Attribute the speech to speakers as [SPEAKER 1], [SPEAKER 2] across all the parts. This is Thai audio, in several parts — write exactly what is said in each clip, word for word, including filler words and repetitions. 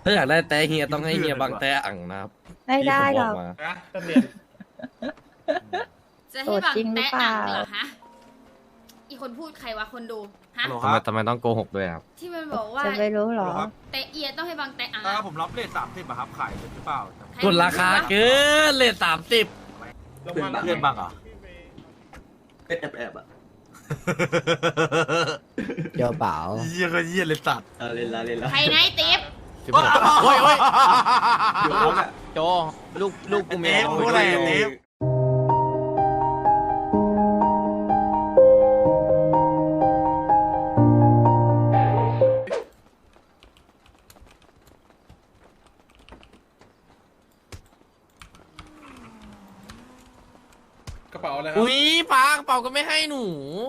[SPEAKER 1] าอยากได้แต่เฮียต้องให้เฮียบังแต่อ่างนะครับ
[SPEAKER 2] ไม่ได้หรอก
[SPEAKER 3] นะตำเรียน
[SPEAKER 4] จะให้บัง
[SPEAKER 2] โสดจริงหรือ
[SPEAKER 4] แตะ
[SPEAKER 2] เปล่า
[SPEAKER 4] อ่างเหรอฮะอีกคนพูดใครวะคนดูฮะ
[SPEAKER 1] ทำไมทำไมต้องโกหกด้วยครับ
[SPEAKER 4] ที่มันบอกว่า
[SPEAKER 2] จะไปรู้เหรอ
[SPEAKER 4] แตะเอียต้องให้บังแตะอ่าง
[SPEAKER 5] ถ้าผมรับเลทสามสิบอะครับขายหรือเปล่า
[SPEAKER 4] ใค
[SPEAKER 1] กดราคาเกินเลทสามสิบ
[SPEAKER 3] ลงมา
[SPEAKER 5] เพื่อนบ้างเหรอ
[SPEAKER 6] เป็นแอบแอบอ่ะ
[SPEAKER 7] เจ้าเปล่า
[SPEAKER 5] เยี่ยก็เยี่ยเลยสัตว์
[SPEAKER 6] เอาเล่นละเล่นละ
[SPEAKER 4] ใครไหนติ๊บ
[SPEAKER 1] สิบหกโอ้ยโอ้ย
[SPEAKER 6] อยู่แล้วอ่ะ
[SPEAKER 7] โจลูกลูกกูเม
[SPEAKER 5] เทปพูดอะไรอะเทป
[SPEAKER 3] กระเป๋าอะไรครับ
[SPEAKER 1] อุ้ยปังเป่าก็ไม่ให้หนู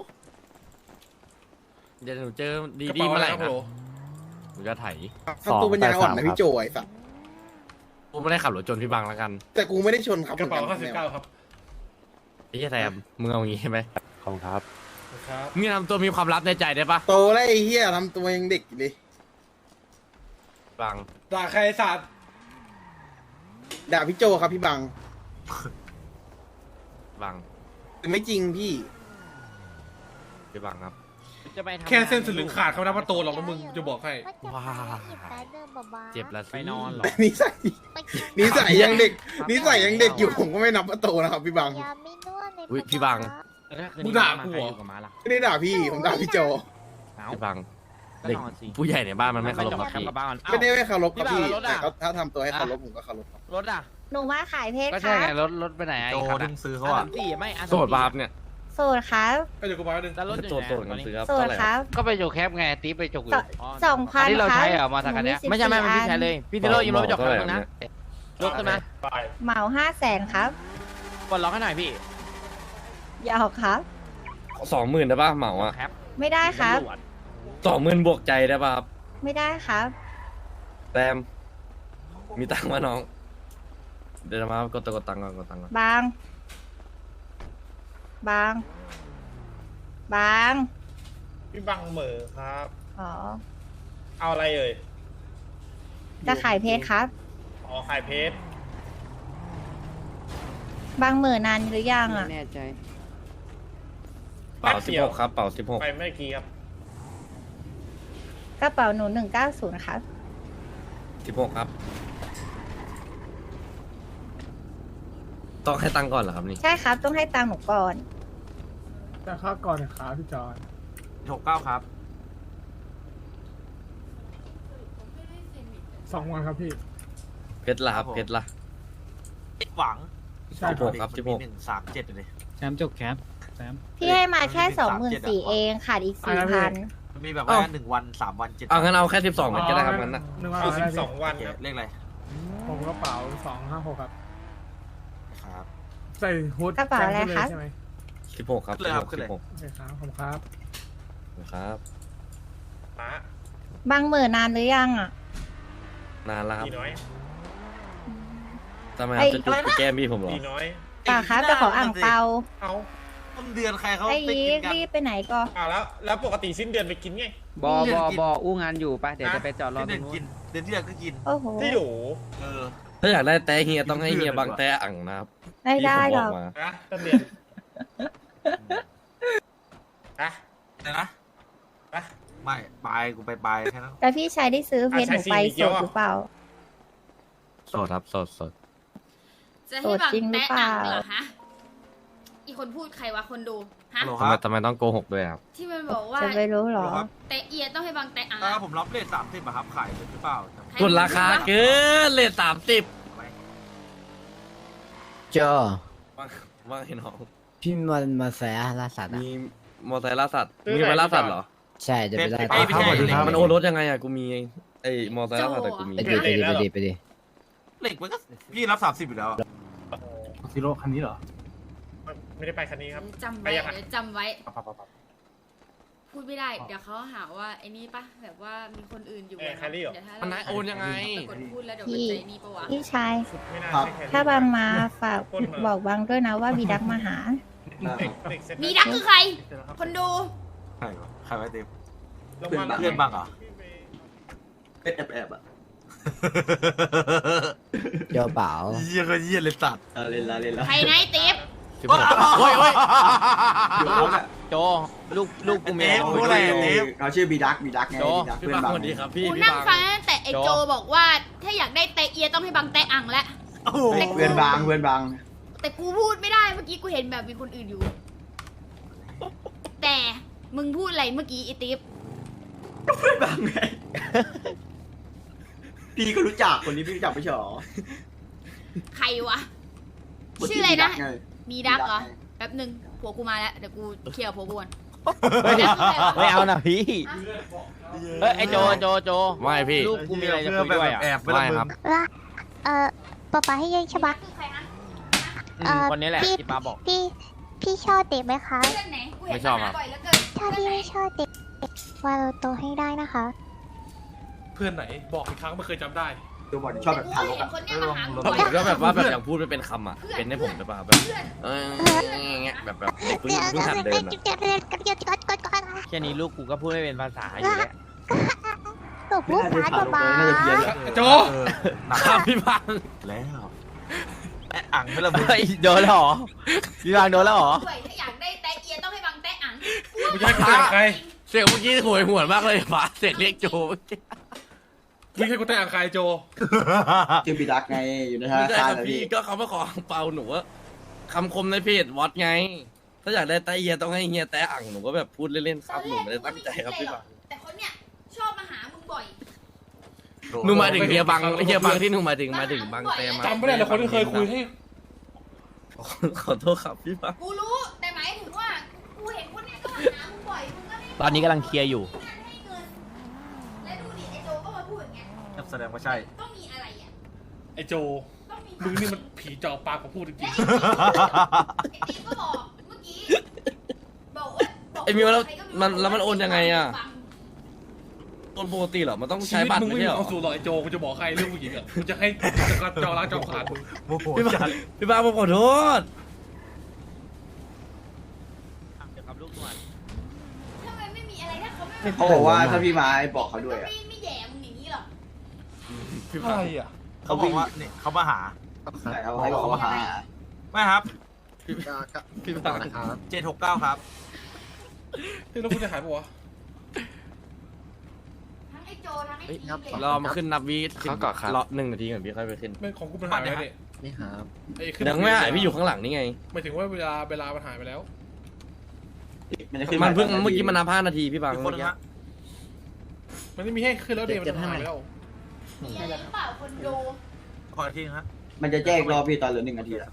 [SPEAKER 1] เดี๋ยวหนูเจอดี
[SPEAKER 3] กระ
[SPEAKER 1] ดี
[SPEAKER 3] เป๋า
[SPEAKER 1] เมื่
[SPEAKER 3] อะ
[SPEAKER 1] อ
[SPEAKER 3] ไร
[SPEAKER 1] ไหร่
[SPEAKER 3] ครับ
[SPEAKER 1] นะ
[SPEAKER 3] โหล
[SPEAKER 1] หนูจะไถ
[SPEAKER 7] ทำตัวปัญญาอ่อนนะพี่โจ
[SPEAKER 8] ไอ้สัตว์
[SPEAKER 1] กูไม่ได้ขับรถจนพี่บังแล้วกัน
[SPEAKER 8] แต่กูไม่ได้ชนครับ
[SPEAKER 3] กระเป๋า
[SPEAKER 8] หมื
[SPEAKER 3] ห้า
[SPEAKER 8] อน
[SPEAKER 3] สิบ
[SPEAKER 8] น
[SPEAKER 3] เก้าครับ
[SPEAKER 1] ไอ้เหี้ยแซมมึงเอาอย่างงี้ใช่ไหม
[SPEAKER 7] ขอบครับ
[SPEAKER 3] ครับ
[SPEAKER 1] มึงทำตัวมีความลับในใจได้ปะ
[SPEAKER 8] โตแล้วไอ้เหี้ยทำตัวยังเด็กอยู่เลย
[SPEAKER 1] บัง
[SPEAKER 3] ด่าใครสัตว์
[SPEAKER 8] ด่าพี่โจครับพี่บัง
[SPEAKER 1] บัง
[SPEAKER 8] แต่ไม่จริงพี่
[SPEAKER 1] พี่บังครับ
[SPEAKER 7] จะไปทำ
[SPEAKER 3] แค่เส้นสลึงขาดเขานับว่าโตหรอกนะมึงจะบอกให้
[SPEAKER 1] ว้าเจ็บละสิ
[SPEAKER 7] ไปนอนเหรอ
[SPEAKER 8] นิสัยนิสัยยังเด็กนิสัยยังเด็กอยู่ผมก็ไม่นับว่าโตนะครับพี่บัง
[SPEAKER 1] อุ้ยพี่บัง
[SPEAKER 3] มึงด่ากูเหรอ
[SPEAKER 8] ไม่ได้ด่าพี่ผมด่าพี่โจ
[SPEAKER 1] พี่บังเด็กผู้ใหญ่ในบ้านมันไม่เคารพครับพี่
[SPEAKER 8] ไม่ได้ไม่เคารพครับพี่
[SPEAKER 7] พี่บังแล้วรถ
[SPEAKER 8] แต่
[SPEAKER 7] อะ
[SPEAKER 8] เขาถ้าทำตัวให้เคารพผมก็เคารพครับ
[SPEAKER 7] รถอ่ะ
[SPEAKER 2] หนูมาขายเพชร
[SPEAKER 7] ก็
[SPEAKER 2] ค
[SPEAKER 7] ใช่
[SPEAKER 2] รับ
[SPEAKER 7] ไงรถรถไปไหนไอ้
[SPEAKER 5] โจ
[SPEAKER 7] คัน
[SPEAKER 5] ดึ
[SPEAKER 7] อะ
[SPEAKER 5] งซื้อเขา
[SPEAKER 7] อ่ะ
[SPEAKER 5] อะ
[SPEAKER 7] สามสี่ไม่อ่ะ
[SPEAKER 1] โสดบาปเนี่ย
[SPEAKER 2] โสดครับ
[SPEAKER 3] ไปเดี๋ยวกูมาหนึ่ง
[SPEAKER 7] แล้วรถอยู่
[SPEAKER 1] โสด
[SPEAKER 7] ไหน
[SPEAKER 1] โสด
[SPEAKER 7] ต
[SPEAKER 1] กั
[SPEAKER 7] อน
[SPEAKER 1] น
[SPEAKER 7] นี้
[SPEAKER 1] ซื้อครับ
[SPEAKER 2] โสด
[SPEAKER 1] เท่าไหร่
[SPEAKER 2] ค
[SPEAKER 1] ค
[SPEAKER 2] รั
[SPEAKER 1] รับ
[SPEAKER 2] บ
[SPEAKER 7] ก็ไปโจกแคปไงตีไปโจกอยู่
[SPEAKER 2] สองพัน
[SPEAKER 7] อันนี้เรา
[SPEAKER 2] ครับ
[SPEAKER 7] ใช้เหรอมอเตอร์คันเนี้ย
[SPEAKER 2] หนูมี
[SPEAKER 7] ไม่ใช่ไม่ไม่
[SPEAKER 2] สิบสี่
[SPEAKER 7] พี่ใช้เลยพี่เทโร่ยืมรถไปโจกแคปนึงนะรถขึ้นมา
[SPEAKER 3] ไป
[SPEAKER 2] เหมาห้าแสนครับ
[SPEAKER 7] กดล็อกให้หน่อยพี่
[SPEAKER 2] ยาวครับ
[SPEAKER 1] สองหมื่นได้ป่ะเหมาอ่ะ
[SPEAKER 7] แคป
[SPEAKER 2] ไม่ได้ครับ
[SPEAKER 7] ตำวจ
[SPEAKER 1] สองหมื่นบวกใจได้ป่ะครับ
[SPEAKER 2] ไม่ได้ครับ
[SPEAKER 1] แซมมีตังค์มาน้อง เดี๋ยวมากดตัวกดตังค์ก่อนกดตังค์ก่อน
[SPEAKER 2] บาง บาง บาง
[SPEAKER 3] พี่บังเหมอครับ
[SPEAKER 2] อ๋อ
[SPEAKER 3] เอาอะไรเอ่ย
[SPEAKER 2] จะขายเพชรครับ
[SPEAKER 3] อ๋อขายเพชร
[SPEAKER 2] บางหมื่นนานหรือยังอ่ะ
[SPEAKER 7] แน่ใจ
[SPEAKER 1] เป่าสิบหกครับเป่าสิบหก
[SPEAKER 3] ไปเมื่อกี้ครับ
[SPEAKER 2] กระเป๋าหนูหนึ่งเก้าศูนย์ครับ
[SPEAKER 1] สิบหกครับ ต้องให้ตังค์ก่อนเหรอครับนี่
[SPEAKER 2] ใช่ครับ ต้องให้ตังค์หนูก่อน
[SPEAKER 9] แต่ค่าก่อนนะครับพี่จอน
[SPEAKER 5] หกเก้าครับ
[SPEAKER 9] สองวันครับพี่
[SPEAKER 1] เพชรละครับเพชรละ
[SPEAKER 5] หวัง
[SPEAKER 9] ใช่
[SPEAKER 1] สิบหกครับสิบหก
[SPEAKER 5] หนึ่งสามเจ็ดเลย
[SPEAKER 7] แซมจกแคปแซม
[SPEAKER 2] พี่ให้มาแค่สองหมื่นสี่เองขาดอีกสี่พัน
[SPEAKER 5] มันมีแบบว่าหนึ่งวันสามวันเจ็ด
[SPEAKER 1] เอางั้นเอาแค่สิบสองมันก็ได้ครับงั้นนะ
[SPEAKER 9] หนึ่งวัน
[SPEAKER 3] คือ
[SPEAKER 9] อะไร
[SPEAKER 3] สิบ
[SPEAKER 9] พี่
[SPEAKER 3] สองวัน
[SPEAKER 5] โอเค
[SPEAKER 3] ครับ
[SPEAKER 5] เลขอะไร
[SPEAKER 9] ผมกระเป๋าสองห้าหกครับ
[SPEAKER 5] ครับ
[SPEAKER 9] ใส่ฮูด
[SPEAKER 2] กระเป๋าอะไร
[SPEAKER 9] แจ้ง
[SPEAKER 2] คะ
[SPEAKER 9] ขึ้นเลยใช่ไหม
[SPEAKER 1] สิบหกครับ
[SPEAKER 5] ขึ้นเลยครับขึ้น
[SPEAKER 1] สิ
[SPEAKER 5] เลย
[SPEAKER 1] บหก
[SPEAKER 9] โอเคครับผมครับ
[SPEAKER 1] ครับ
[SPEAKER 3] ป้า
[SPEAKER 2] บางหมื่นนานหรือยังอ่ะ
[SPEAKER 1] นานแล้วครับ
[SPEAKER 3] ดีน้อย
[SPEAKER 1] ทำไมครับจะจุดไปแก้มพี่ผมเหรอ
[SPEAKER 3] ดีน้อย
[SPEAKER 2] ป่าครับจะขออ่างเปา
[SPEAKER 3] เอา
[SPEAKER 5] ต้นเดือนใครเขา
[SPEAKER 2] ไอ้
[SPEAKER 5] ไป
[SPEAKER 2] ยี
[SPEAKER 5] กินกัน
[SPEAKER 2] รีบไปไหนก็
[SPEAKER 3] เอาแล้วแล้วปกติสิ้นเดือนไปกินไง
[SPEAKER 7] บอบอบออู้งานอยู่ปะเดี๋ยวจะไปจอดรอ
[SPEAKER 5] เดื
[SPEAKER 7] ตร
[SPEAKER 5] อน
[SPEAKER 7] งนู้
[SPEAKER 5] กิน
[SPEAKER 7] น
[SPEAKER 5] เดือนที่แล้วก็กิน
[SPEAKER 2] โอ้โห
[SPEAKER 3] ที่อยู่
[SPEAKER 5] เออ
[SPEAKER 1] ถ้าอยากได้แต่เฮียต้องให้เฮียบังแต่อ่างนะครับ
[SPEAKER 2] ไม่ได้
[SPEAKER 1] ที่
[SPEAKER 2] หร
[SPEAKER 1] ผม
[SPEAKER 2] อก
[SPEAKER 1] บมา
[SPEAKER 3] นะตำเรียนอะ
[SPEAKER 5] อะไรนะ
[SPEAKER 3] อะ
[SPEAKER 5] ไม่บายกูไปบายแค่นั้น
[SPEAKER 2] แต่พี่ชายได้ซื้อเพชรหนูไปสดหรือเปล่า
[SPEAKER 1] โสดครับโสดโสด
[SPEAKER 4] จะให้บัง
[SPEAKER 2] โสดจริงหรือ
[SPEAKER 4] แตะ
[SPEAKER 2] เปล่า
[SPEAKER 4] อ่างเหรอฮะอีกคนพูดใครวะคนดูฮะ
[SPEAKER 5] ฮัลโหลค
[SPEAKER 1] ทำไม
[SPEAKER 5] รับ
[SPEAKER 1] ทำไมต้องโกหกด้วยครับ
[SPEAKER 4] ที่มันบอกว่า
[SPEAKER 2] จะไปรู้เหรอ
[SPEAKER 5] ครับ
[SPEAKER 4] แตะเอียต้องให้บังแตะอ่าง
[SPEAKER 5] ถ้าผมรับเลทสามสิบอะครับขายหรือเปล่า
[SPEAKER 1] กดราคาเกินเลทสามสิบ
[SPEAKER 7] เจอ
[SPEAKER 1] ว่าว่าไงน้อง
[SPEAKER 7] พี่มันมาแสล่าสัตว์อ่ะ
[SPEAKER 1] มีมอเตอร์ไซค์ล่าสัตว์มีไปล่าสัตว์เหรอ
[SPEAKER 7] ใช่จะไปได้
[SPEAKER 5] เอ้ยไม่ใช่
[SPEAKER 1] มันโอนรถยังไงอะกูมีไอ้มอเตอร์ไซค์ล่าสัตว์แต่กูมี
[SPEAKER 7] ไปดิไปดิไปดิไปดิ
[SPEAKER 5] เหล็กมันก็พี่รับสามสิบอยู่แล้วอะ
[SPEAKER 9] ซิโร่คันนี้เหรอ
[SPEAKER 3] ไม่ได้ไปคันนี้ครับ
[SPEAKER 4] จำ
[SPEAKER 3] ไป
[SPEAKER 4] ไว้
[SPEAKER 3] ยังไง
[SPEAKER 4] เดี๋ยวจำไว้
[SPEAKER 3] ปั๊บปั๊บปั๊บปั๊บ
[SPEAKER 4] พูดไม่ได้ เดี๋ยวเขาหาว่าไอ้นี่ปะแบบว่ามีคนอื่นอยู่
[SPEAKER 3] เอ้ยแครี่เหรอ
[SPEAKER 4] เดี๋ยวถ้า
[SPEAKER 1] มันนายโอนยังไง
[SPEAKER 4] กดพูดแล้วเดี๋ยว
[SPEAKER 2] พี่
[SPEAKER 4] มันจะนี่ปะวะ
[SPEAKER 2] พี่ชาย
[SPEAKER 3] ไม่น่าใช่แค่นี้
[SPEAKER 2] ถ้าบางมาฝากบอกบางด้วยนะว่ามีดักมาหา
[SPEAKER 3] เด็กเด็กเซ็ต
[SPEAKER 4] มีดักคือใคร คนดู
[SPEAKER 5] ใครวะใครไว้เต็ม
[SPEAKER 3] ลงมา
[SPEAKER 5] เพื่อนบ้างเหรอ
[SPEAKER 6] เป็นแอบแอบอ่ะ
[SPEAKER 7] เจ้าเปล่า
[SPEAKER 5] เยี่ยก็เยี่ยเลยสัตว์
[SPEAKER 6] เออเล่นละเล่นละ
[SPEAKER 4] ใครนะไอ้ติ๊บ
[SPEAKER 1] สิบหกโอ้ยโอ้ย
[SPEAKER 6] อยู่เขาเนี่ย
[SPEAKER 7] โจลูกลูกกูมี
[SPEAKER 5] เอ๊ะมึงรู้อะไรอ่ะเอ๊ะ
[SPEAKER 6] เขาชื่อบีดักบีดักไงบีดัก
[SPEAKER 1] พี่
[SPEAKER 6] เพื่อน
[SPEAKER 1] บัง
[SPEAKER 6] บัง
[SPEAKER 1] สวัสดีครับพี่
[SPEAKER 4] กู
[SPEAKER 1] พี่
[SPEAKER 4] นั่ง
[SPEAKER 1] บัง
[SPEAKER 4] ฟังตั้งแต่ไอ้โจบอกว่าถ้าอยากได้เตะเอียต้องให้บังเตะอังแล้ว
[SPEAKER 5] โอ้โห
[SPEAKER 6] เพื่อนบังเพื่อนบัง
[SPEAKER 4] แต่กูพูดไม่ได้เมื่อกี้กูเห็นแบบมีคนอื่นอยู่ แต่มึงพูดอะไรเมื่อกี้ไอ้ติ๊บ
[SPEAKER 6] เพื่อนบังไงพี่ก็รู้จักคนนี้พี่รู้จักไม่ใช่หรอ
[SPEAKER 4] ใครวะ ชื่ออะไรนะ
[SPEAKER 6] ไง
[SPEAKER 4] มีดักเหรอ
[SPEAKER 6] ไง
[SPEAKER 4] แป๊บนึงผัวกูมาแล้วเดี๋ยวกูเคลียร์กับผัวกูก่อน
[SPEAKER 7] ไม่เอานะพี่เอ้ยไอโจโจโจ
[SPEAKER 1] ไม่พี่
[SPEAKER 7] ลูกกูมีอะไรจะคุยด้วยอ่ะ
[SPEAKER 5] แอบไป
[SPEAKER 1] ไม่
[SPEAKER 5] ละมึง
[SPEAKER 1] ครับ
[SPEAKER 2] ว่าเอ่อป๊าป๊าให้ยังใช่ปะ
[SPEAKER 4] คือใครนะ
[SPEAKER 7] อืมคนนี้แหละที่ป้าบอก
[SPEAKER 2] พี่พี่ชอบเด็กไหมคะ
[SPEAKER 4] เพื่อนไหนกูเห็น
[SPEAKER 1] ไม่ชอบ
[SPEAKER 4] มา
[SPEAKER 1] ครั
[SPEAKER 4] หา
[SPEAKER 1] บ
[SPEAKER 4] บ่อยเหลือเกิน
[SPEAKER 2] ถ้าพี่ไม่ชอบเด็กว่าเราโตให้ได้นะคะ
[SPEAKER 3] เพื่อนไหนบอกอีกครั้งไม่เคยจำได้
[SPEAKER 6] ดูบอลชอบแบบ
[SPEAKER 4] กู
[SPEAKER 6] ทาร
[SPEAKER 4] เห็
[SPEAKER 6] ก
[SPEAKER 4] น
[SPEAKER 6] อะ
[SPEAKER 4] คนเนี้ยมาหากู
[SPEAKER 1] ผ
[SPEAKER 4] บ่อย
[SPEAKER 1] มก็แบบว่าแบบอย่างพูดไม่เป็นคำอ่ะ เป็นให้ผมได้ป่ะแบบ
[SPEAKER 4] เพื่อน
[SPEAKER 1] เอออย่างเงี้ยแบบแบบเด็กเพิ่งเพิ่งหัดเดินอ่ะ
[SPEAKER 7] แค่นี้ลูกกูก็พูดไม่เป็นภาษาอยู่แล้ว
[SPEAKER 2] ตบลูก
[SPEAKER 6] น่าจะ
[SPEAKER 2] สาว
[SPEAKER 6] ทารก
[SPEAKER 2] ป๊า
[SPEAKER 6] เลยน่าจะเพี้ยนอะ
[SPEAKER 3] โจ
[SPEAKER 5] เออหนัก
[SPEAKER 1] ครับพี่บัง
[SPEAKER 5] แล้วแอะอ่างไม่ละมึง
[SPEAKER 7] เฮ้ยโดนแล้วเหรอพี่บางโดนแล้วเหรอ
[SPEAKER 4] ด้วยถ้าอยากได้เตะเอียต้องให้บังเตะอัง
[SPEAKER 3] มึงจะให้กูเตะอังใคร
[SPEAKER 1] เสียงเมื่อกี้หวยหวนมากเลยฟ้าเสียงเรียกโจเมื่อกี้
[SPEAKER 3] มึงให้กูเตะอังใครโจ
[SPEAKER 6] ชื่อบีดักไงอยู่ในธ
[SPEAKER 1] ไม่
[SPEAKER 6] นา
[SPEAKER 1] ใช่
[SPEAKER 6] คาร
[SPEAKER 1] ครับ
[SPEAKER 6] นะ
[SPEAKER 1] พี่
[SPEAKER 6] พี่
[SPEAKER 1] ก็เขามาขอเปาหนูว่าคำคมในเพจวอตไง ถ้าอยากได้แตะเอียต้องให้เฮียแตะอ่างหนูก็แบบพูดเล่นๆครับหนูไม่ได้ตั้งใจครับพี่บัง
[SPEAKER 4] แต่คนเนี้ยชอบมาหามึงบ่อย
[SPEAKER 1] หนูมาถึงเฮียบังเฮียบังที่หนูมาถึงมาถึงบังเตมา
[SPEAKER 3] จำไม่ได้เลยคนที่เคยคุยให้
[SPEAKER 1] ขอโทษครับพี่บัง
[SPEAKER 4] กูรู้แต่หมายถึงว่ากูเห็นคนเนี้ยก็มาหามึงบ่อยมึงก็ไม่
[SPEAKER 7] ตอนนี้กำลังเคลียร์อยู่
[SPEAKER 4] ให้เงินและดูดิไอ้โจก็มาพูดอย่างเงี้ย
[SPEAKER 5] แสดงว่าใช่
[SPEAKER 4] ต้องมีอะไรอ่ะ
[SPEAKER 3] ไอ้โจ
[SPEAKER 4] ต้องมี
[SPEAKER 3] มึงนี่มันผีจอปากของพูดจริ
[SPEAKER 4] และ
[SPEAKER 3] ง
[SPEAKER 4] ไอ้ติ๊กก็บอกเมื่อกี้บอกว่าบอก
[SPEAKER 1] ไอ้มิวแล้ว
[SPEAKER 4] ใครก็
[SPEAKER 1] มันแล้วมันโอนยังไงอะ
[SPEAKER 4] ฟัง
[SPEAKER 1] คนปกติเหรอมันต้อง
[SPEAKER 3] ๆชี
[SPEAKER 1] ใช้
[SPEAKER 3] วิต
[SPEAKER 1] บัตร
[SPEAKER 3] มึง
[SPEAKER 1] ไม่
[SPEAKER 3] ไม่มี
[SPEAKER 1] ใช่เหรอ
[SPEAKER 3] ความสุขหรอกไอ้โจกูจะบอกใครเรื่องผู้หญิงอ่ะกูจะให้จะกัดจอร้านจอขาดมึง
[SPEAKER 5] โมโห
[SPEAKER 1] พี่บั
[SPEAKER 5] จั
[SPEAKER 1] ง
[SPEAKER 5] ด
[SPEAKER 1] พี่บังผมขอโทษ
[SPEAKER 7] เดี๋ยวครับลูกนวล
[SPEAKER 4] ทำไมไม่มีอะไรถ้าเขาไม่
[SPEAKER 6] เขาบอกว่าถ้าพี่มาให้บอกเขาด้วย
[SPEAKER 4] ก็
[SPEAKER 6] อะ
[SPEAKER 4] ไม่ไม่แย่มึงอย่างนี้หรอก
[SPEAKER 1] พี่
[SPEAKER 3] อะ
[SPEAKER 1] บัง
[SPEAKER 3] ไรอ่ะ
[SPEAKER 5] เขาบอกว่าเนี่ยเขามาหา
[SPEAKER 6] ใช่เขาให้บอกเขามาหา
[SPEAKER 5] ไม่ครับ
[SPEAKER 1] พี่บัง
[SPEAKER 5] เจ็ดหกเก้าครับ
[SPEAKER 3] เฮ้ยแล้วกูจะหายปะวะ
[SPEAKER 4] ทั้งไอ้โจทั้งไอ้ทีมเลย
[SPEAKER 1] รอมาขึ้นนับวีเขาก่อนครับรอหนึ่งนาทีก่อนพี่ค่อยไปขึ้น
[SPEAKER 3] แม่งของกูมันหายไปแล้วเนี่ย
[SPEAKER 7] นี่ครับ
[SPEAKER 3] ไอ้ขึ้น
[SPEAKER 1] ยังไม่หายพี่อยู่ข้างหลังนี่ไง
[SPEAKER 3] หมายถึงว่าเวลาเวลามันหายไปแล้ว
[SPEAKER 6] มันจะขึ้น
[SPEAKER 1] มันเพิ่งเมื่อกี้มันนับห้านาทีพี่บัง
[SPEAKER 5] อีกค
[SPEAKER 1] เมื่
[SPEAKER 5] น
[SPEAKER 1] อ
[SPEAKER 5] นึง
[SPEAKER 1] กี้
[SPEAKER 5] ฮะ
[SPEAKER 3] มันไม่มีให้ขึ้นแล้วเดี๋ยวมันหายไปแล้ว
[SPEAKER 4] มีอะไรหรือเปล่าคนดู
[SPEAKER 5] ขออีกทีนึงฮะ
[SPEAKER 6] มันจะแจ้งรอบพี่ตอนเหลือหนึ่งนาทีอะ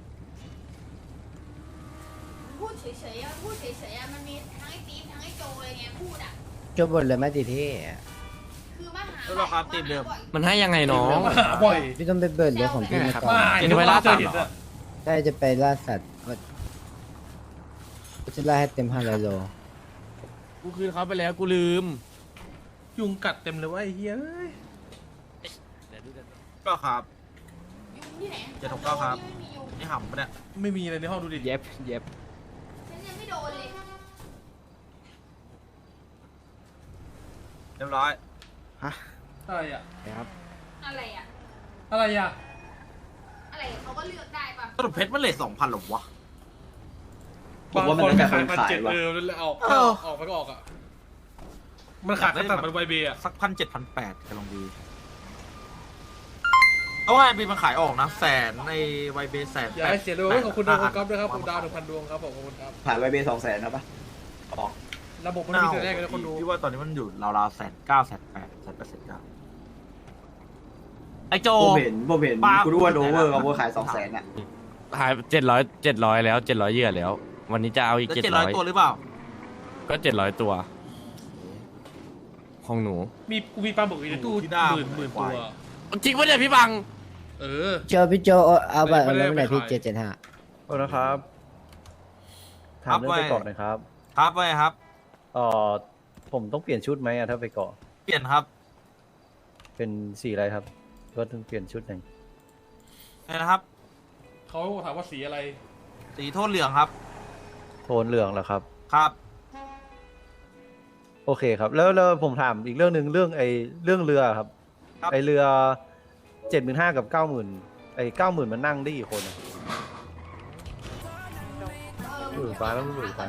[SPEAKER 4] พูดเฉยๆอะพูดเฉยๆอะมันมีทั้งไอ้ตีฟทั้งไอ้โจอะไรเงี้ยพูดอะ
[SPEAKER 7] โจบนเลยไหมติเท่
[SPEAKER 4] คือมาหา
[SPEAKER 5] แล้วเราครับทีมเดิม
[SPEAKER 4] บ่อย
[SPEAKER 1] มันให้ยังไงน้อง
[SPEAKER 3] มาหาบ่อย
[SPEAKER 7] พี่ต้องไปเบิร์ดเรื่องของพี่มาก่อน
[SPEAKER 1] เห็นไว้ล่าสัตว์เหรอ
[SPEAKER 7] ใช่จะไปล่าสัตว์ว่าจะล่าให้เต็มห้าร้อยโล
[SPEAKER 1] กูคืนเขาไปแล้วกูลืม
[SPEAKER 3] ยุงกัดเต็มเลยว่าไอ้เฮ้ย
[SPEAKER 5] ก็ครับ
[SPEAKER 4] ยุงที่ไหน
[SPEAKER 5] เจ็ดหกเก้าครับ
[SPEAKER 4] ไม่มียุง
[SPEAKER 5] นี่หำปะเนี่ย
[SPEAKER 3] ไม่มีอะไรในห้องดูดิ
[SPEAKER 7] เย็บเย็บ
[SPEAKER 4] ฉันยังไม่โดนเลย
[SPEAKER 5] เรียบร้อย
[SPEAKER 3] อะไรอ่ะ
[SPEAKER 7] ครับ
[SPEAKER 4] อะไรอะ
[SPEAKER 3] อะไรอ่ะ
[SPEAKER 4] อะไรอะเขาก็เลือกได้ปะ
[SPEAKER 5] สรุปเพชรมันเลทสองพันหรอวะ
[SPEAKER 6] ผมว่ามันแล้วแต่คน
[SPEAKER 3] พัน
[SPEAKER 6] ขาย
[SPEAKER 3] เจ็ด
[SPEAKER 6] ว่ะ
[SPEAKER 3] เออแล้วออก
[SPEAKER 5] เออ
[SPEAKER 3] ออกไปก็ออกอ่ะ มันขาดตั้งแต่มันไวเบย์อ่ะ
[SPEAKER 5] สักพันเจ็ดพันแปดกำลังดีเอาว่าไอบีมันขายออกนะแสนในไวเบย์แสน
[SPEAKER 3] อย่าให้เสียเลยขอบคุณดาวก๊อฟด้วยครับผมดาวหนึ่งพันดวงครับผมขอบคุณครับ
[SPEAKER 6] ผ่านไวเบย์สองแสนนะปะ
[SPEAKER 3] ระบบมัน
[SPEAKER 5] น่า
[SPEAKER 3] มีแต่แรกเลยนะคนดู
[SPEAKER 5] พี่ว่าตอนนี้มันอยู่ราวๆแสนเก้าแสนแปดแสนแปดแสนเก้าไอโจ
[SPEAKER 6] โบเห็นโบเห็น
[SPEAKER 5] ป้า
[SPEAKER 6] กูรู้ว่าโดเวอร์กับโบขายสองแสนอะ
[SPEAKER 1] หายเจ็ดร้อยเจ็ดร้อยแล้วเจ็ดร้อยเยื่อแล้ว วันนี้จะเอาอีก
[SPEAKER 5] แล้ว
[SPEAKER 1] เจ็ด
[SPEAKER 5] เจ็ด
[SPEAKER 1] ร้
[SPEAKER 5] ร้
[SPEAKER 1] อ
[SPEAKER 5] อย
[SPEAKER 1] ย
[SPEAKER 5] ตัวหรือเปล่า
[SPEAKER 1] ก็เจ็ดร้อยตัว ของหนู
[SPEAKER 3] มีกูมีปลาหมึกอยู่ในตู้
[SPEAKER 5] ที่ด้าม
[SPEAKER 3] หมื่นหมื่นตัว
[SPEAKER 1] จริงปะเนี่ยพี่บัง
[SPEAKER 3] เออ
[SPEAKER 7] โจพี่โจเอาบัตร
[SPEAKER 3] ไม่
[SPEAKER 7] เอา
[SPEAKER 3] ได้
[SPEAKER 7] ไว้เมื่อไหร่
[SPEAKER 3] ไม่
[SPEAKER 7] พี่
[SPEAKER 3] ขาย
[SPEAKER 7] เจ็ดเจ็ดห้า
[SPEAKER 10] โอ้นะครับ ถามเรื่องไปเกาะหน่อยครับ
[SPEAKER 5] ครับไว้ครับ
[SPEAKER 10] เอ่อผมต้องเปลี่ยนชุดไหมอะถ้าไปเกาะ
[SPEAKER 5] เปลี่ยนครับ
[SPEAKER 10] เป็นสีอะไรครับ ก็ต้องเปลี่ยนชุดหนึ่ง
[SPEAKER 5] นี่นะครับ
[SPEAKER 3] เขาถามว่าสีอะไร
[SPEAKER 5] สีโทนเหลืองครับ
[SPEAKER 10] โทนเหลืองเหรอครับ
[SPEAKER 5] ครับ
[SPEAKER 10] โอเคครับ แล้วแล้วผมถามอีกเรื่องหนึ่งเรื่องไอ้เรื่องเรือครับไอเรือเจ็ดหมื่นห้ากับเก้าหมื่นไอเก้าหมื่นมันนั่งได้กี่คนอะหมื่นฟ้าแล้วหมื่นฟ้า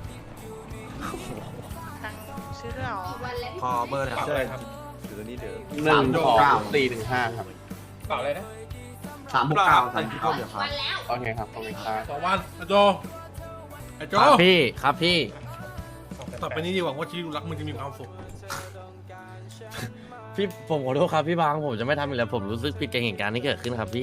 [SPEAKER 2] ซื้อหรอ
[SPEAKER 5] ขอเบอร์หน่อยครับ
[SPEAKER 10] ใช่เดี๋ยวนี้เดี๋ยว
[SPEAKER 6] หนึ่งสองสี่หนึ่งห้าครับ
[SPEAKER 3] เปล่าอะไรนะ
[SPEAKER 6] สามหกเก้า
[SPEAKER 5] ไอ้ที่เขาเดี๋ยวครับ
[SPEAKER 6] โอเคครับขอบคุณครับ
[SPEAKER 3] สองวันไอ้โจไอ้โจ
[SPEAKER 1] ครับพี่ครับพี่
[SPEAKER 3] ต่อไปนี้ดีหวังว่าชีวิตรักมึงจะมีความสุข
[SPEAKER 1] พี่ผมขอโทษครับพี่บางผมจะไม่ทำอีกแล้วผมรู้สึกผิดกับเหตุการณ์ที่เกิดขึ้นครับพี่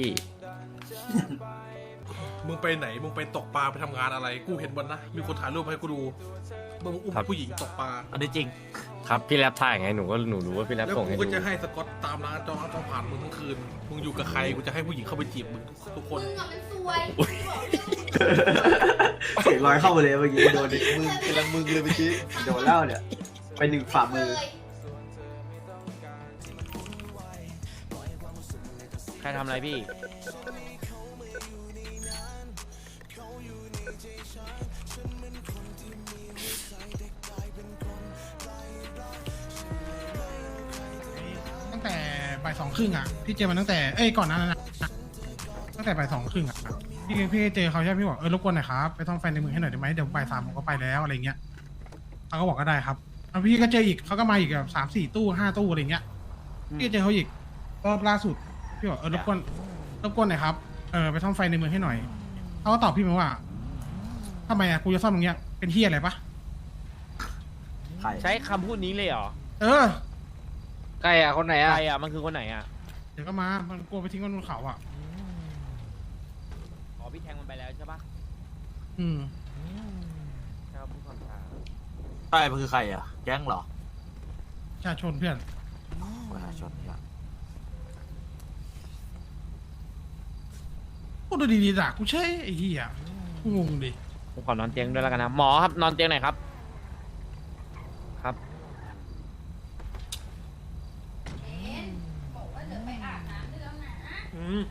[SPEAKER 3] มึงไปไหนมึงไปตกปลาไปทำงานอะไรกูเห็นบนนะมีคนถ่ายรูปให้กูดูมึงอุ้มผู้หญิงตกปลา
[SPEAKER 5] อันนี้จริง
[SPEAKER 1] ครับพี่แรปถ่ายไงหนูก็หนูรู้ว่าพี่แรป
[SPEAKER 3] แล้ว
[SPEAKER 1] ส่ง
[SPEAKER 3] กู
[SPEAKER 1] ให้
[SPEAKER 3] ก็
[SPEAKER 1] ดู
[SPEAKER 3] จะให้สกอตตามร้านจองร้านจองผ่านมึงทั้งคืนมึงอยู่กับใครกูจะให้ผู้หญิงเข้าไปจีบมึงทุกคน
[SPEAKER 4] มึงอะมันซวย
[SPEAKER 6] เสียงลอยเข้ามาเลยเมื่อกี้โดนดิมึงกำลังมึงเลยเมื่อกี้โดนแล้วเนี่ยไปหนึ่งฝ่ามือ
[SPEAKER 7] ใครทำอะไรพี่
[SPEAKER 9] ตั้งแต่บ่ายสองครึ่งอ่ะพี่เจอมันตั้งแต่เอ้ยก่อนหนานั้นนะตั้งแต่บ่ายสองครึ่งอ่ะพี่พี่เจอเขาใช่ไหมพี่บอกเออรบกวนหน่อยครับไปท่องไฟในเมืองให้หน่อยได้ไหมเดี๋ยวบ่ายสามผมก็ไปแล้วอะไรเงี้ยเขาก็บอกก็ได้ครับแล้วพี่ก็เจออีกเขาก็มาอีกแบบสามสี่ตู้ห้าตู้อะไรเงี้ยพี่เจอเขาอีกรอบล่าสุดพี่บอกเออรบกวนรบกวนหน่อยครับเออไปท่องไฟในเมืองให้หน่อยเขาก็ตอบพี่มาว่าทำไมอ่ะกูจะซ่อมตรงเนี้ยเป็นที่อะไรปะ
[SPEAKER 7] ใช้คำพูดนี้เลยเหรอ
[SPEAKER 9] เออ
[SPEAKER 7] ใครอ่ะคนไหนอ่ะใครอ่ะมันคือคนไหนอ่ะ
[SPEAKER 9] เดี๋ยวก็มามันกลัวไปทิ้งมันบนเขาอ่ะ
[SPEAKER 7] อ๋อพี่แทงมันไปแล้วใช่ปะ
[SPEAKER 9] อืม
[SPEAKER 7] ครับผู้ความชา
[SPEAKER 5] ใช่มันคือใครอ่ะ แก๊งเหรอ
[SPEAKER 9] ประชาชนเพื่อน
[SPEAKER 5] ประชาชนเนี่ย
[SPEAKER 9] พูดดูดีๆด่ากูใช่ไอ้เหี้ยกูงงดิ
[SPEAKER 7] ผมขอนอนเตียงด้วยแล้วกันนะหมอครับนอนเตียงไหนอยครับ ครับ
[SPEAKER 4] บอกว่าเดี๋ยวไปอาบน้ำได้แล้วนะ
[SPEAKER 3] อืม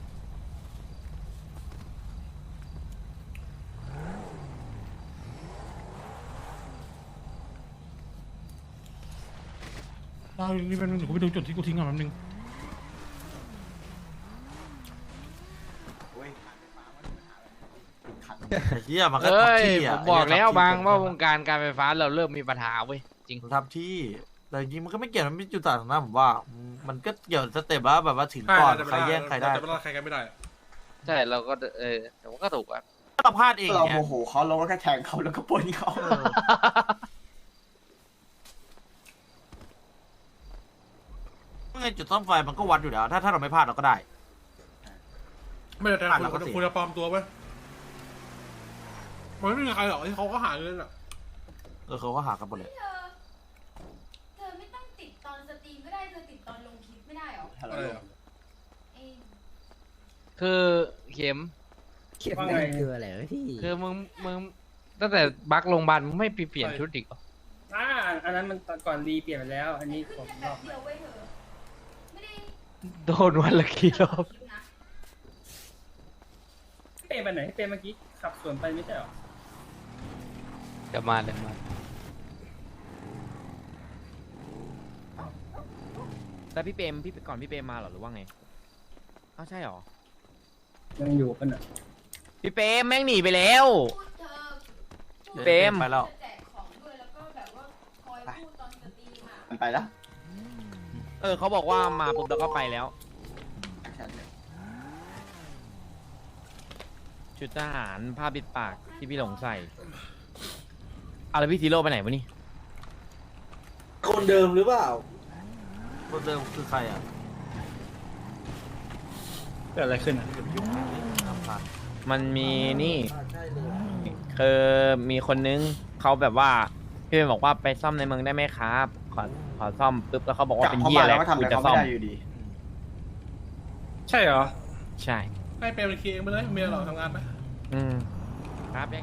[SPEAKER 9] เรานี่เป็นหนูกูไปดูจุดที่กูทิ้งก่อนแป๊บนึง
[SPEAKER 5] ไอ้เหี้ยมันก็
[SPEAKER 7] เอ้ย
[SPEAKER 5] ทำที่
[SPEAKER 7] ผ
[SPEAKER 5] อ่ะ
[SPEAKER 7] มบอกแล้วบางว่าวง
[SPEAKER 5] การ
[SPEAKER 7] การการไฟฟ้าเราเริ่มมีปัญหาเว้ยจริง
[SPEAKER 5] ทำที่แต่จริงๆมันก็ไม่เกี่ยวมันไม่จุดต่างนะผมว่า มันก็เกี่ยวสเต็ปว่าแบบว่าถึงก่อนใครแย่งใครได้
[SPEAKER 3] แต่เวลาใครกันไม่ได้
[SPEAKER 7] ใช่เราก็เออแต่ว่าก็ถูกอ่ะ
[SPEAKER 5] เราพลาดเอง
[SPEAKER 6] เรา
[SPEAKER 5] เนี่ย
[SPEAKER 6] โมโหเขาเราก็แค่แทงเขาแล้วก็ปล้นเขา
[SPEAKER 5] เออเมื่อไงจุดซ่อมไฟมันก็วัดอยู่แล้ว ถ้าถ้าเราไม่พลาดเราก็ได้
[SPEAKER 3] ไม่ได้แต่
[SPEAKER 5] อ่ะ
[SPEAKER 3] คุ
[SPEAKER 5] เราก็
[SPEAKER 3] ณ
[SPEAKER 5] เสีย
[SPEAKER 3] คุณจะปลอมตัวไว้มันไม่มีใครหรอกที่เขาก็หาเงินอ่ะ
[SPEAKER 5] เออเขาก็หากันหมดเลย
[SPEAKER 4] เธอ เธอไม่ต้องติดตอนสตรีมก็ได้ เธอติดตอนลงคลิปไม่ได้หรอ
[SPEAKER 3] อะไรอ่ะ
[SPEAKER 4] เอง
[SPEAKER 7] คือเข็ม
[SPEAKER 9] เขียนอะไรคืออะไรพี่
[SPEAKER 7] คือมึงมึงตั้งแต่บักโรงพยาบาลมึงไม่ไปเปลี่ยนชุดอีกเหรอ
[SPEAKER 9] อ่าอันนั้นมันก่อนรีเปลี่ยนไปแล้ว อันนี้ผม
[SPEAKER 4] แค่แบบเดียวไว้เถอะไม่ได้
[SPEAKER 7] โดนวันละกี่รอบ
[SPEAKER 4] คลิปนะ
[SPEAKER 9] เปย์ไปไหนเปย์เมื่อกี้ขับสวนไปไม่ใช่หรอ
[SPEAKER 7] เดี๋ยวมาเดี๋ยวมาแต่พี่เปรมพี่ก่อนพี่เปรมมาเหรอหรือว่าไงอ้าวใช่เหรอ
[SPEAKER 9] ยังอยู่กันอ่ะ
[SPEAKER 7] พี่เปรมแม่งหนีไปแล้ว
[SPEAKER 4] พูดเธอ
[SPEAKER 7] เปรม
[SPEAKER 5] ไปแล้ว
[SPEAKER 4] จะแจกของด้วยแล้วก็แบบว่าคอยพูดตอนสตรีมอ่ะ
[SPEAKER 6] มันไปแล้ว
[SPEAKER 7] เออเขาบอกว่ามาปุ๊บแล้วก็ไปแล้ว ชุดทหารผ้าปิดปากที่พี่หลงใส่เอาแล้วพี่ทีโร่ไปไหนวะนี่
[SPEAKER 6] คนเดิมหรือเปล่า
[SPEAKER 5] คนเดิมคือใครอ่ะ
[SPEAKER 9] เกิดอะไรขึ้นอ่ะ
[SPEAKER 7] มันมีนี่คือมีคนนึงเขาแบบว่าพี่เป็นบอกว่าไปซ่อมในเมืองได้ไหมครับขอขอซ่อมปุ๊บแล้วเขาบอกว่าเป็นเหี้ยอะไร
[SPEAKER 6] ก็ทำ
[SPEAKER 7] กู
[SPEAKER 6] อะไร
[SPEAKER 7] จะ
[SPEAKER 6] เขา
[SPEAKER 7] ซ่
[SPEAKER 6] ไม่
[SPEAKER 7] อม
[SPEAKER 6] ได้อยู่ดี
[SPEAKER 9] ใช่เหรอ
[SPEAKER 7] ใช่
[SPEAKER 3] ให้เปรมเป็นเคเองไปเลยเมียเราทำงานไหม
[SPEAKER 7] อืมครับยัง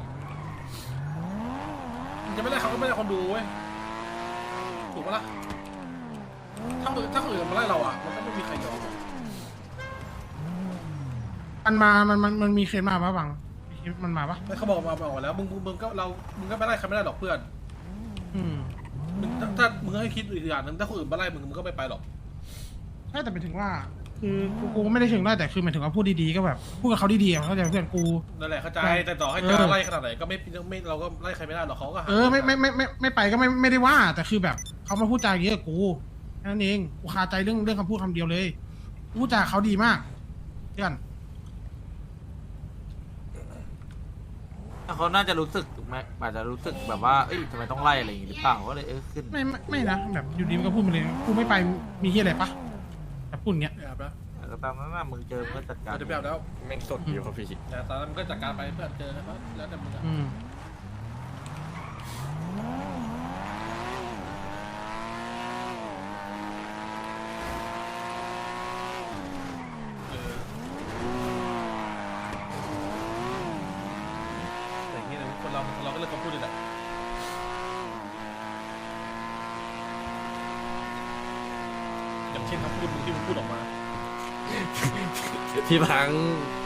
[SPEAKER 3] มันจะไม่ได้เขาก็ไม่ได้คนดูเว้ยถูกปะล่ะถ้าคนถ้าคนอื่นมาไล่เราอ่ะมันก็ไม่มีใครยอม
[SPEAKER 9] มันมา มันมันมันมีเคสมาปะบังมันมาปะ
[SPEAKER 3] ไม่เขาบอกมาบอกแล้วมึงมึงมึงก็เรามึงก็ไม่ไล่ใครไม่ได้หรอกเพื่อน
[SPEAKER 9] อืม
[SPEAKER 3] มึงถ้าถ้ามึงให้คิดอีกอย่างหนึงถ้าคนอื่นมาไล่มึงมึงก็ไม่ไปหรอก
[SPEAKER 9] ใช่แต่เป็นถึงว่า คือกูกูก็ไม่ได้เชิงได้แต่คือหมายถึงว่าพูดดีๆก็แบบพูดกับเขาดีๆอะเข้าใจเพื่อนกู
[SPEAKER 3] นั่นแหละเข้าใจ
[SPEAKER 9] ใช่
[SPEAKER 3] แต่ต่อให้
[SPEAKER 9] เอ
[SPEAKER 3] จะ
[SPEAKER 9] อ
[SPEAKER 3] ไล่ขนาดไหนก็ไม่ไม่เราก็ไล่ใครไม่ได้หรอกเขาก็หา
[SPEAKER 9] เออไม่ไม่ไม่ไม่ไม่ไปก็ไม่ไม่ได้ว่า แต่คือแบบเขามาพูดจาอย่างนี้กับกูแค่นั้นเองกูคาใจเรื่องเรื่องคำพูดคำเดียวเลยกูพูดจาเขาดีมากเพื่อน
[SPEAKER 5] เขาน่าจะรู้สึกไหมอาจจะรู้สึกแบบว่าเอ้ยทำไมต้องไล่อะไรอย่างงี้หรือเปล่าก็เลยเออขึ้น
[SPEAKER 9] ไม่ไม่ไม่นะแบบอยู่ดีมันก็พูดมาเลยกูไม่ไปมีที่อะไรปะแบบพูดอย่างเงี้ย
[SPEAKER 3] แบบนะ
[SPEAKER 5] แต่ก็ตามนั้นนะมึงเจอมึงก็จัดการ
[SPEAKER 3] เดี๋ยวแบบแล้ว
[SPEAKER 1] แม่งสดอยู่ครับพี่
[SPEAKER 3] แต่ตอนนั้นมันก็จัดการไปเพื่อนเจอนะครับแล้วแต่มึงอะ
[SPEAKER 9] อืม
[SPEAKER 3] เออแต่อย่างเงี้ยนะคนเราคนเราก็เลือกคำพูดเลยแหละอย่างเช่นคำพูดมึงที่มึงพูดออกมา
[SPEAKER 1] พี่พัง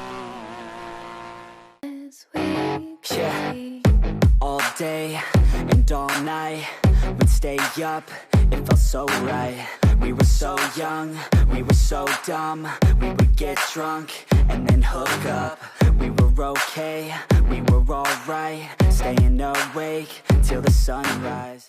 [SPEAKER 11] Yeah, all day and all night, we'd stay up, it felt so right. We were so young, we were so dumb, we would get drunk and then hook up. We were okay, we were alright, staying awake till the sunrise.